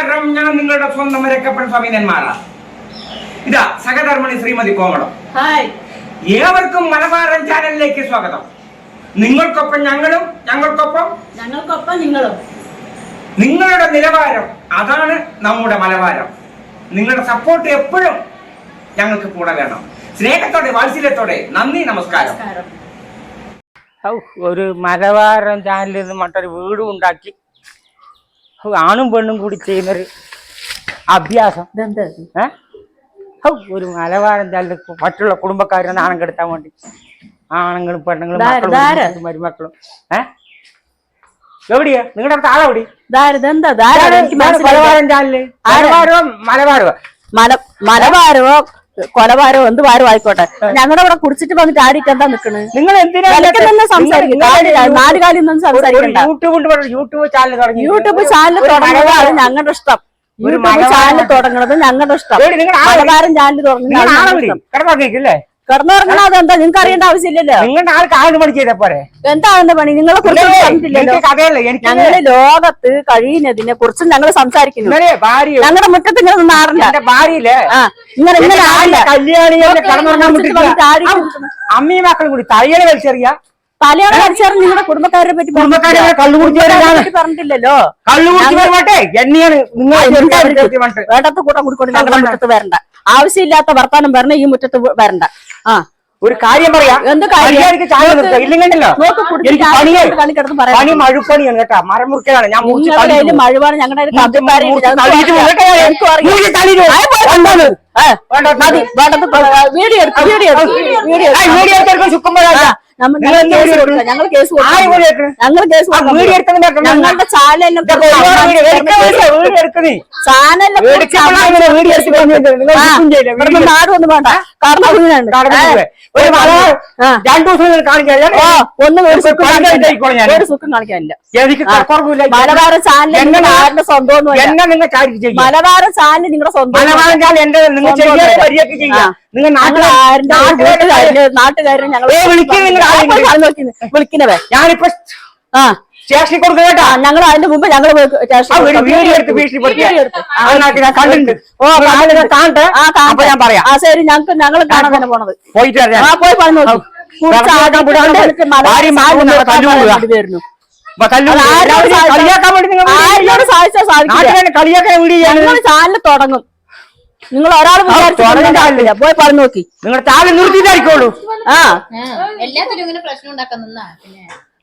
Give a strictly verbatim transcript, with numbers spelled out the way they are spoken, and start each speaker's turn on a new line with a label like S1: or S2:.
S1: നമസ്കാരം. ഞാൻ നിങ്ങളുടെ സ്വന്തം മരക്കപ്പൻ സ്വാമിനന്മാരാ. ഇതാ സഹധർമ്മിണി ശ്രീമതി കോമളം. ഏവർക്കും മലബാരൻ ചാനലിലേക്ക് സ്വാഗതം. നിങ്ങൾക്കൊപ്പം ഞങ്ങളും, ഞങ്ങൾക്കൊപ്പം
S2: ഞങ്ങൾക്കൊപ്പം നിങ്ങളും.
S1: നിങ്ങളുടെ നിലവാരം അതാണ് നമ്മുടെ മലബാരം. നിങ്ങളുടെ സപ്പോർട്ട് എപ്പോഴും ഞങ്ങൾക്ക് കൂടെ വേണം. സ്നേഹത്തോടെ വാത്സല്യത്തോടെ നന്ദി, നമസ്കാരം. ഒരു മലബാരൻ ചാനലിൽ നിന്ന് മറ്റൊരു വീടും ഉണ്ടാക്കി ആണും പെണ്ണും കൂടി ചെയ്യുന്നൊരു അഭ്യാസം. ഏഹ് ഒരു മലബാരൻ ചാനലിൽ മറ്റുള്ള കുടുംബക്കാരെ നാണം കെടുത്താൻ വേണ്ടി ആണുങ്ങളും പെണ്ണുങ്ങളും മക്കളും മരുമക്കളും. ഏഹ് എവിടെയാ നിങ്ങളുടെ അടുത്ത് ആളെവിടെ? മലബാരൻ ചാനല് മലബാരോ മലബാരോ
S2: മല മലബാരോ കൊലബാരോ എന്ത് ഭാരം ആയിക്കോട്ടെ, ഞങ്ങളുടെ ഇവിടെ കുടിച്ചിട്ട് വന്നിട്ട് ആടിയിട്ട് എന്താ നിക്കണ്?
S1: നിങ്ങൾ എന്തിനാ
S2: സംസാരിക്കും? നാല് കാര്യം സംസാരിക്കണ്ട.
S1: യൂട്യൂബ് യൂട്യൂബ് ചാനൽ തുടങ്ങി
S2: യൂട്യൂബ് ചാനൽ തുടങ്ങുന്നത് അത് ഞങ്ങളുടെ ഇഷ്ടം. യൂട്യൂബ് ചാനൽ തുടങ്ങുന്നത് ഞങ്ങളുടെ ഇഷ്ടം. മലബാരൻ ചാനൽ തുടങ്ങുന്നത് കിടന്നുറങ്ങണം. അതെന്താ നിങ്ങൾക്ക് അറിയേണ്ട ആവശ്യമില്ലല്ലോ.
S1: നിങ്ങളുടെ ആൾക്ക് ആദ്യ പണി ചെയ്ത പോരെ?
S2: എന്താണെന്ന് പണി നിങ്ങളെ കുറിച്ച് പറഞ്ഞിട്ടില്ലല്ലോ. ഞങ്ങള് ലോകത്ത് കഴിയുന്നതിനെ കുറിച്ച് ഞങ്ങൾ സംസാരിക്കുന്നു. ഞങ്ങളുടെ മുറ്റത്ത് ഇങ്ങനെ നിന്ന് ആറില്ല.
S1: ഭാര്യയില്ലേ
S2: ഇങ്ങനെ ഇങ്ങനെ
S1: അമ്മയും മക്കളും കൂടി തയ്യല് വലിച്ചെറിയ
S2: തലയാണ് വലിച്ചേറി നിങ്ങളുടെ കുടുംബക്കാരെ പറ്റി പറഞ്ഞിട്ടില്ലല്ലോ. വേണ്ടത്ത് കൂട്ടം കുടിക്കൊണ്ട് ഞങ്ങളുടെ മുറ്റത്ത് വരണ്ട. ആവശ്യമില്ലാത്ത വർത്താനം വരണ ഈ മുറ്റത്ത് വരണ്ട. ആ
S1: ഒരു കാര്യം പറയാം.
S2: എന്ത് കാര്യം?
S1: മഴുപ്പണിയാണ് കേട്ടാ, മരം മുറിക്കലാണ്. ഞാൻ
S2: മഴുവാണ് ഞങ്ങളുടെ വീഡിയോ എടുക്കും വീഡിയോ വീഡിയോ ചുക്കുമ്പോഴാ ഞങ്ങൾ കേസ് ഞങ്ങൾ കേസ് ഞങ്ങളുടെ ചാനലിനെ ചാനലിനെ നാട് ഒന്നും വേണ്ട. ഒന്നും ഒരു സുഖം കാണിക്കാനില്ല. മലബാര ചാനൽ നാടിന്റെ സ്വന്തം. മലബാര ചാനൽ നിങ്ങളുടെ സ്വന്തം. നാട്ടുകാരൻ ഞങ്ങൾ വിളിക്കുന്നവേ ഞാനിപ്പോ ആ സ്റ്റേഷനിൽ കൊടുക്കുക കേട്ടാ. ഞങ്ങൾ അതിന്റെ മുമ്പ് ഞങ്ങൾ ഞാൻ പറയാം. ആ ശരി, ഞങ്ങൾക്ക് ഞങ്ങൾ കാണാൻ തന്നെ പോണത്. പോയിട്ട് ആ പോയി പറഞ്ഞു നോക്കി. ചാനൽ തുടങ്ങും. നിങ്ങൾ ഒരാൾ വിചാരിച്ചില്ല, പോയി പറഞ്ഞു നോക്കി. നിങ്ങളുടെ ചാനൽ നിർത്തിയിട്ടായിരിക്കുള്ളൂ. ആ
S3: എല്ലാത്തിലും ഇങ്ങനെ പ്രശ്നം ഉണ്ടാക്കുന്ന